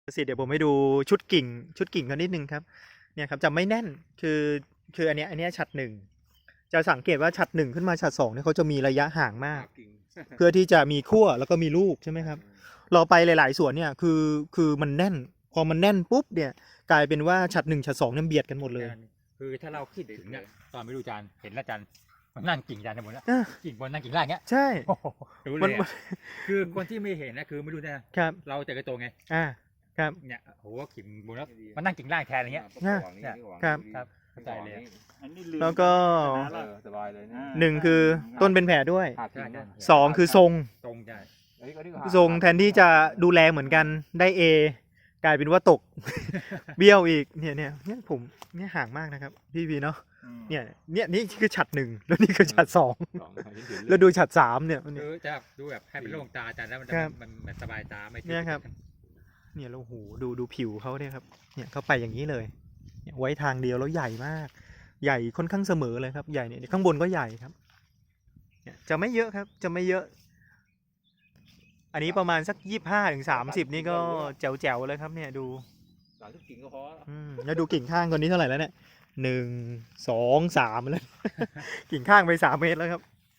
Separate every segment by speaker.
Speaker 1: สิเดี๋ยวผมให้ดูชุดกิ่งกันนิดนึงครับเนี่ยครับจะไม่แน่นคืออันเนี้ยฉัดหนึ่งจะสังเกตว่าฉัดหนึ่งขึ้นมาฉัดสองเนี่ยเขาจะมีระยะห่างมาก เพื่อที่จะมีขั้วแล้วก็มีลูกใช่ไหมครับเราไปหลายๆสวนเนี่ยคือมันแน่นพอมันแน่นปุ๊บเนี่ยกลายเป็นว่าฉัดหนึ่งฉัดสองเนี่ยเบียดกันหมดเลย
Speaker 2: คือถ้าเราคิดถึงเนี่ยตอนไปดูจานเห็นแล้วจานมันนั่งกิ่งจานทั้งหมดแล้ว
Speaker 1: อ่ะ
Speaker 2: กิ่งบนนั่งกิ่งล่างเงี้ย
Speaker 1: ใช่
Speaker 2: โอ้โหรู้เล
Speaker 1: มัน
Speaker 2: ยอะคือคนที่ไม่เห็นนะคือไม่รู้นะครับ เราแต่กระโตงไง
Speaker 1: ครับ
Speaker 2: เนี่ยโหกิ่งบนแล้วมันนั่งกิ่งล่างแทนอะไรเงี้ย
Speaker 1: ครับ
Speaker 2: ครับเข้าใจเลย
Speaker 1: แล้วก็
Speaker 3: สบายเลยนะ
Speaker 1: หนึ่งคือต้นเป็นแผลด้วย
Speaker 3: ขาดทิ้งนะ
Speaker 1: สองคือทรง
Speaker 2: ตรงใช่
Speaker 1: ทรงแทนที่จะดูแลเหมือนกันได้เอกลายเป็นว่าตก เบี้ยวอีกเนี่ยผมเนี่ยห่างมากนะครับพี่เนาะเนี่ยนี่คือฉัดหนึ่งแล้วนี่คือฉัดสองแล้วดูฉัดสามเนี่ย
Speaker 2: คือจะดูแบบให้เป็นโล่งตาจานแล้วมัน
Speaker 1: ครับ
Speaker 2: มันสบายตาไม่
Speaker 1: เนี่ยครับ เนี่ยแล้วโหดูผิวเขาเนี่ยครับเนี่ยเขาไปอย่างนี้เลยเนี่ยไว้ทางเดียวแล้วใหญ่มาก ใหญ่ค่อนข้างเสมอเลยครับใหญ่เนี่ยข้างบนก็ใหญ่ครับเนี่ยจะไม่เยอะครับจะไม่เยอะ อันนี้ประมาณสัก25 ถึง 30นี่ก็แจ๋วๆเลยครับเนี่ยดู
Speaker 3: 30 กิ่งก็พอ
Speaker 1: แล้วดูกิ่งข้างตัวนี้เท่าไหร่แล้วเนี่ย1 2 3แล้ว กิ่งข้างไป3 เมตรแล้วครับ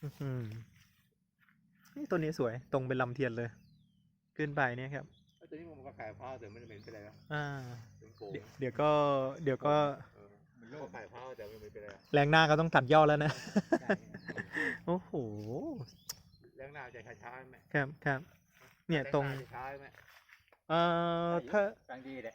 Speaker 1: นี่ต้นนี้สวยตรงเป็นลำเทียนเลย ขึ้นไปเนี่ยครับ
Speaker 3: ตัวนี้มันก็ขายผ้าแต่ไม่ได้เป็นไรนะ เป็นโป่ง
Speaker 1: เดี๋ยวก็
Speaker 3: มันก็ขายผ้าแต่ไม่เป็นไร
Speaker 1: แรงหน้าก็ต้องตัดยอดแล้วนะ โอ้โห
Speaker 3: เรื่องหน้าจะช้าๆไหม
Speaker 1: ครับเนี่ยตรง
Speaker 3: ช้าไหม
Speaker 1: ถ้าก
Speaker 2: ลางดีเลย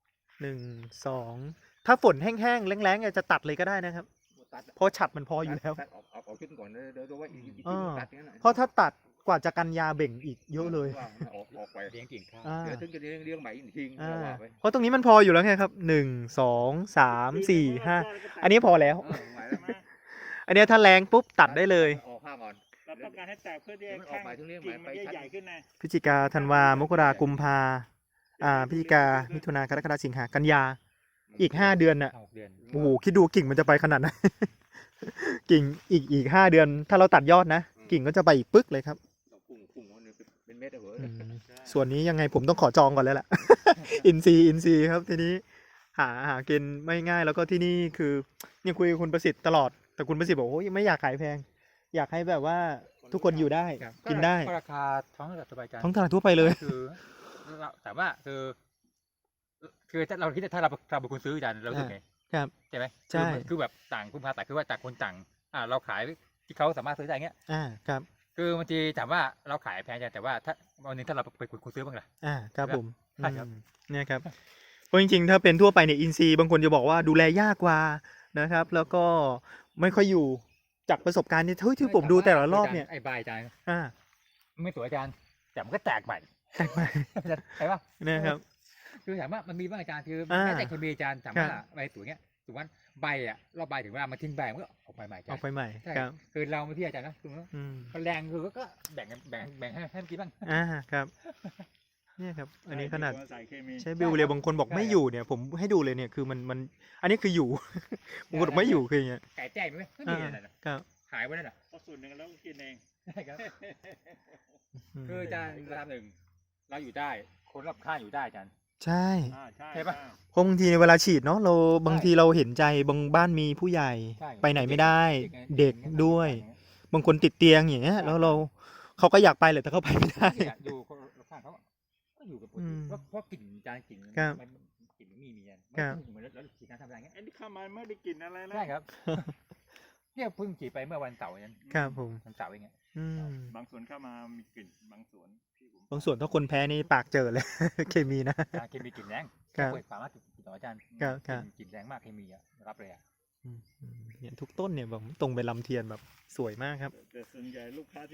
Speaker 1: 1 2ถ้าฝนแห้งๆแล้งๆจะตัดเลยก็ได้นะครับ
Speaker 3: ตัด
Speaker 1: เพราะฉัดมันพออยู่แล้ว
Speaker 3: ตัดออกขึ้นก่อนเดี๋ยวดูว่าอีกตัดอย่างนั้น
Speaker 1: เพราะถ้าตัดกว่าจะกันยาเบ่งอีกเยอะเลย
Speaker 3: ออกไป
Speaker 2: เลี้ยงกิ่งข้าว
Speaker 3: เดี๋ยวถึงจะเลี้ยงใหม่อีกทีว่าไป
Speaker 1: เพราะตรงนี้มันพออยู่แล้วไงครับ1 2 3 4 5อันนี้พอแล้ว
Speaker 3: ไหวแล้วไหม
Speaker 1: อันนี้ถ้าแรงปุ๊บตัดได้เลย
Speaker 3: ออกผ้าก่อน
Speaker 4: เราต้องการให้แตกเพื่อที่ให้
Speaker 3: มันออ
Speaker 4: แข้
Speaker 3: ก
Speaker 4: ง
Speaker 3: ไปถึงเลี้ยงให
Speaker 4: กิ่
Speaker 3: ม่
Speaker 4: ง
Speaker 3: ไป
Speaker 4: มันจะ
Speaker 3: ชั้น
Speaker 4: ใหญ่ขึ้นนะ
Speaker 1: พฤศจิกาธันวามกรากุมภาพฤศจิกามิถุนากรกฎาสิงหากันยาอีก5 เดือนน่ะ
Speaker 2: 6 เดือน
Speaker 1: โอ้โหคิดดูกิ่งมันจะไปขนาดไหน กิ่งอีก5 เดือน ถ้าเราตัดยอดนะกิ่งก็จะไปอีกปึ๊กเลยครับ
Speaker 3: พุ่งเป็นเม็ดเหรอ
Speaker 1: ส่วนนี้ยังไงผมต้องขอจองก่อนแล้วแหละ อินซีครับทีนี้หากินไม่ง่ายแล้วก็ที่นี่คือเนี่ยคุยกับคุณประสิทธิ์ตลอดแต่คุณประสิทธิ์บอกโอ้ยไม่อยากขายแพง อยากให้แบบว่าทุกคนอยู่ได้
Speaker 2: ครับ
Speaker 1: กินได้
Speaker 2: ก็ราคาท้องตลาดสบายใจ
Speaker 1: ท้องตลาดทั่วไปเลย
Speaker 2: คือเราแต่ว่าคือถ้าเราคิดถ้าเราเป็นคนซื้อจานเราถึงไง
Speaker 1: ครับ
Speaker 2: ใช่ไหม
Speaker 1: ใช่
Speaker 2: คือแบบต่างคุณพาแต่คือว่าต่างคนต่างเราขายที่เขาสามารถซื้อได้เงี้ย
Speaker 1: ครับ
Speaker 2: คือบางทีถามว่าเราขายแพงจังแต่ว่าถ้าวันหนึงถ้าเราเป็นคนซื้อบ้างล่ะ
Speaker 1: ครับผม
Speaker 2: ใช่ครับ
Speaker 1: เนี่ยครับเพราะจริงๆถ้าเป็นทั่วไปเนี่ยอินซีบางคนจะบอกว่าดูแลยากกว่านะครับ แล้วก็ไม่ค่อยอยู่จากประสบการณ์ที่ผมดูแต่ละรอบเนี่ย
Speaker 2: ไอ้ใบจาน
Speaker 1: อ่า
Speaker 2: ไม่สวยจานแต่มันก็แตกใหม่
Speaker 1: แตกไป
Speaker 2: ใช่ปะ
Speaker 1: นะครับ
Speaker 2: คือถามว่ามันมีบ้างอาจารย์คือ
Speaker 1: อ่า
Speaker 2: แม้แต่เคมีอาจารย์ถามว่า
Speaker 1: ครับ
Speaker 2: ใบสวยเงี้ยถูกไหมใบรอบใบถึงเวลามันทิ้งใบมันก็ออกใบใหม่
Speaker 1: ออกไปใหม่
Speaker 2: ใช่
Speaker 1: ครับ
Speaker 2: คือเราไม่ที่อาจารย์นะคือว่า
Speaker 1: อืม
Speaker 2: มันแรงคือก็แบ่งให้มันกินบ้าง
Speaker 1: ครับเนี่ยครับ อันนี้ขนาด
Speaker 4: ใส่เคมี
Speaker 1: ใช้บิวเรียบางคนบอกไม่อยู่เนี่ยผมให้ดูเลยเนี่ยคือมันอันนี้คืออยู่ บางคนบอกไม่อยู่คืออย่างเงี้ย
Speaker 2: ไก่แจ้งไหมไม่มีอะไรนะครับ ขายไว้นั่นน่ะ
Speaker 4: ก็ส่วนหนึ่งแล้วก็กินเอง
Speaker 2: ใช่ครับคืออาจารย์ระดับหนึ่งเราอยู่ได้คนรอบข้างอยู่ได้อาจารย์
Speaker 1: ใช่
Speaker 4: ใช่
Speaker 2: ใช่ปะ
Speaker 1: เพราะบางทีเวลาฉีดเนาะเราบางทีเราเห็นใจบางบ้านมีผู้ใหญ่
Speaker 2: ใช่
Speaker 1: ไปไหนไม่ได้ เด็กด้วย บางคนติดเตียงอย่างเงี้ยแล้วเขาก็อยากไปแหละแต่เขาไปไม่ได้
Speaker 2: เนี่ยดูคนรอบข้างเขาก็อยู่กับปก
Speaker 1: อื
Speaker 2: ติ
Speaker 1: ม
Speaker 2: เพราะกลิ่นจานกลิ่น
Speaker 1: ครับ
Speaker 2: มันกลิ่นมันมีอ่ะ
Speaker 1: ครับ
Speaker 2: เหมือนแล้วฉีดน้ำทำอะไรเงี้ย
Speaker 4: ไอ้นี่เข้ามาไม่ได้กินอะไรนะ
Speaker 2: ใช่ครับ เนี่ยเพิ่งฉีดไปเมื่อวันเสาร์เอง
Speaker 1: ครับผม
Speaker 2: วันเสาร์เองอะ
Speaker 1: อืม
Speaker 4: บางส่วนเข้ามามีกลิ่นบางส่วนที่ผม
Speaker 1: บางส่วนถ้าคนแพ้นี่ปากเจอเลย เคมีนะ
Speaker 2: จานเคมีกลิ่นแรง
Speaker 1: ครับ
Speaker 2: ป่วยสามารถกลิ่นต่ออาจารย์
Speaker 1: ครับ
Speaker 2: กลิ่นแรงมากเคมีอ่ะรับเลยอ่ะ
Speaker 1: เนี่ยทุกต้นเนี่ยแบบตรงไปลำเทียนแบบสวยมากครับ
Speaker 4: แต่ส่วนใหญ่ลูกค้า